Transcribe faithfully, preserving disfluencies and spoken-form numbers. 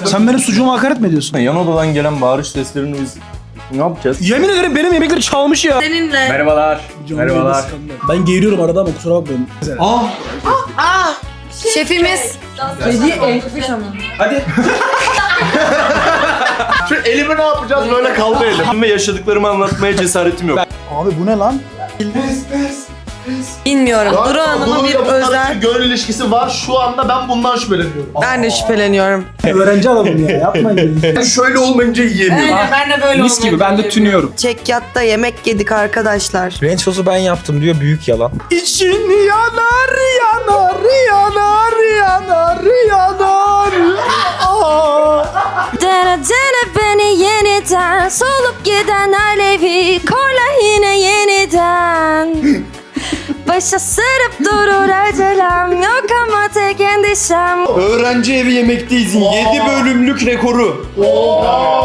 Sen benim sucuğuma hakaret mi ediyorsun? Yan odadan gelen bağırış seslerini biz ne yapacağız? Yemin ederim benim yemekleri çalmış ya. Seninle. Merhabalar. Merhabalar. Ben geğiriyorum arada ama kusura bakmayın. Ah! Şefimiz. Kedi ekmiş ama. Hadi. Şu elimi ne yapacağız? Böyle kaldı elim. Ve yaşadıklarımı anlatmaya cesaretim yok. Abi bu ne lan? Bilmiyorum. Duru Hanım'ın bir özel. Gönül ilişkisi var. Şu anda ben bundan şüpheleniyorum. Ben de şüpheleniyorum. Öğrenci adamım ya yapmayın. Ben şöyle olmayınca yiyemiyorum. Ben de böyle Mis gibi ben de tünüyorum. Çekyatta yemek yedik arkadaşlar. Ranch sosu ben yaptım diyor, büyük yalan. İçin yanar yanar yanar yanar yanar. Aa. Dene dene beni yeniden, solup giden alevi korla yine yeniden. Başa sarıp durur acelem, yok ama tek endişem. Öğrenci evi yemekteyiz. yedi bölümlük rekoru.